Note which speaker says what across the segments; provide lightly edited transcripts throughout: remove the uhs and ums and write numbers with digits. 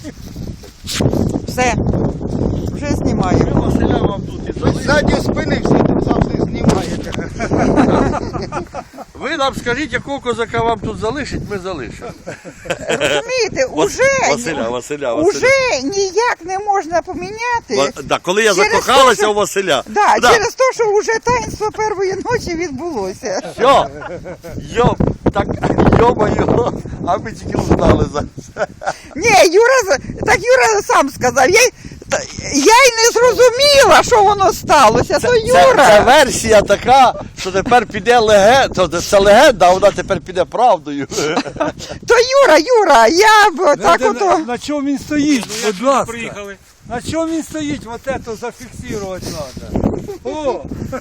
Speaker 1: Все. Вже знімаємо.
Speaker 2: Василя вам тут і залишить.
Speaker 3: Ззаді спини всі завжди знімаєте.
Speaker 2: Ви нам скажіть, якого козака вам тут залишить, ми залишимо.
Speaker 1: Розумієте,
Speaker 2: Василя.
Speaker 1: уже ніяк не можна поміняти.
Speaker 2: Да, коли я
Speaker 1: Через
Speaker 2: закохалася
Speaker 1: те, що-
Speaker 2: у Василя.
Speaker 1: Да, через те, що вже таїнство першої ночі відбулося.
Speaker 2: Все. Йо-моє, а ми тільки узнали за це.
Speaker 1: Ні, Юра сам сказав. Я й не зрозуміла, що воно сталося. То Юра.
Speaker 2: Це версія така, що тепер піде легенда. Це легенда, а вона тепер піде правдою.
Speaker 1: То Юра, я б так ото.
Speaker 4: На чому він стоїть, будь ласка. На чому він стоїть, вот это зафіксувати треба. О!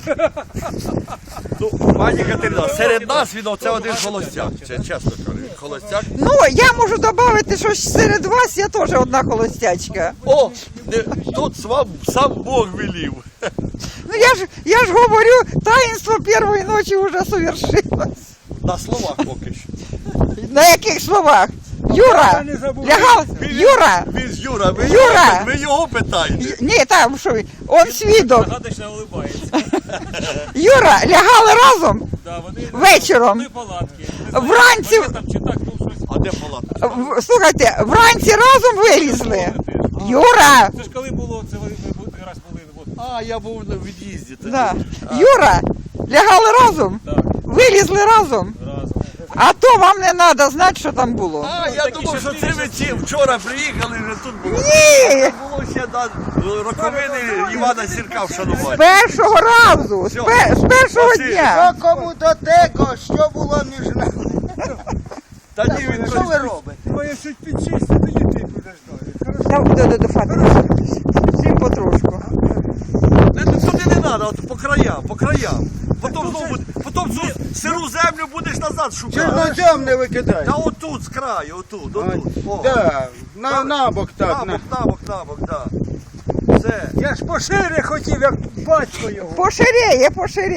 Speaker 2: Ну, пані Катерина, серед нас він оце один холостяк. Чесно кажу, холостяк.
Speaker 1: Ну, я можу додати, що серед вас я теж одна холостячка.
Speaker 2: О, тут сам Бог велів.
Speaker 1: Ну я ж говорю, таїнство першої ночі вже совершилось.
Speaker 2: На словах поки що.
Speaker 1: На яких словах? Юра,
Speaker 4: не забувайте.
Speaker 1: лягав, Юра,
Speaker 2: Він ж Юра,
Speaker 1: Юра!
Speaker 2: ви його питаєте.
Speaker 1: ні, там що, он свідок.
Speaker 5: Загадочно улыбається.
Speaker 1: Юра, лягали разом
Speaker 5: Да, вони
Speaker 1: вечором.
Speaker 5: одної палатки. Не знаю,
Speaker 1: Вранці,
Speaker 5: пакетом чи так, ну щось.
Speaker 2: А де палатка?
Speaker 1: слухайте, вранці разом вилізли. Юра,
Speaker 5: Це ж коли було, це ви раз були, от.
Speaker 2: А, я був на від'їзді тоді.
Speaker 1: да. Юра, лягали разом,
Speaker 5: Так,
Speaker 1: вилізли разом.
Speaker 5: разом.
Speaker 1: А то вам не треба знати, що там було.
Speaker 2: А, я думав, що це ви вчора приїхали, вже тут було.
Speaker 1: Ні,
Speaker 2: Було ще роковини Івана Сірка вшанувати.
Speaker 1: з першого разу, з першого
Speaker 2: Василь,
Speaker 1: дня.
Speaker 3: Що кому до tego, що було між нами?
Speaker 2: Та ні, він
Speaker 3: Що ви робите?
Speaker 4: Моє чуть підчисти, тоді ти будеш далі.
Speaker 1: До фати. Всім потрошку.
Speaker 2: Туди не треба, от по краям. Потім цю сиру землю будеш назад шукати.
Speaker 3: Чорнозем не викидай.
Speaker 2: Та отут, з краю, отут. О.
Speaker 3: Да, набок так.
Speaker 2: Набок, да. Все.
Speaker 4: Я ж пошире хотів, як батько його.
Speaker 1: Поширеє.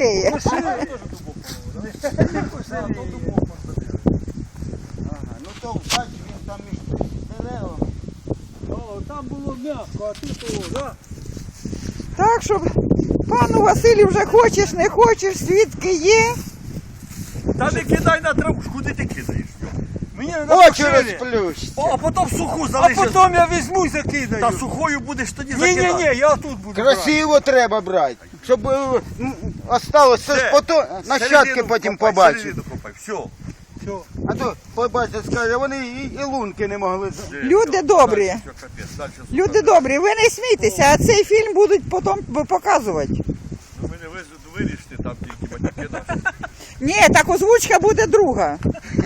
Speaker 3: Ну то бач, він там між деревами.
Speaker 4: О, там було м'яко, а тут о, да?
Speaker 1: Так що, пану Василю, вже хочеш, не хочеш, свідки є.
Speaker 2: Та не кидай на траву, куди ти кидаєш?
Speaker 4: Мені треба
Speaker 3: Очі
Speaker 4: пошире.
Speaker 3: розплющ.
Speaker 2: А потім суху
Speaker 4: А
Speaker 2: залишиш.
Speaker 4: потім я візьму і закидаю.
Speaker 2: Та сухою будеш тоді закидати.
Speaker 4: Ні, я тут буду брати.
Speaker 3: Красиво треба брати, щоб осталось це ж потім, нащадки потім побачать.
Speaker 2: Середину копай, все.
Speaker 4: Все.
Speaker 3: А то побачать, скаже, вони і лунки не могли.
Speaker 1: Люди добрі. Люди добрі, ви не смійтеся, а цей фільм будуть потім показувати.
Speaker 2: Ви мене вирішите там тільки батьки наші.
Speaker 1: Ні, так озвучка буде друга.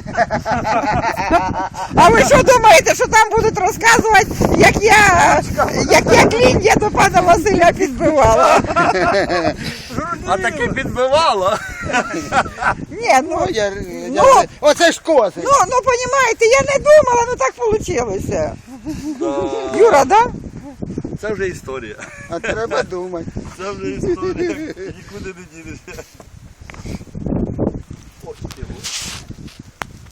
Speaker 1: А ви що думаєте, що там будуть розказувати, як я клін'я до пана Василя підбивала?
Speaker 2: А таки підбивало.
Speaker 1: Ні,
Speaker 3: Оце ж кози.
Speaker 1: ну, понімаєте, я не думала, ну так вийшло. Юра, да?
Speaker 2: Це вже історія.
Speaker 3: А треба думати.
Speaker 2: Це вже історія. Нікуди не дінешся.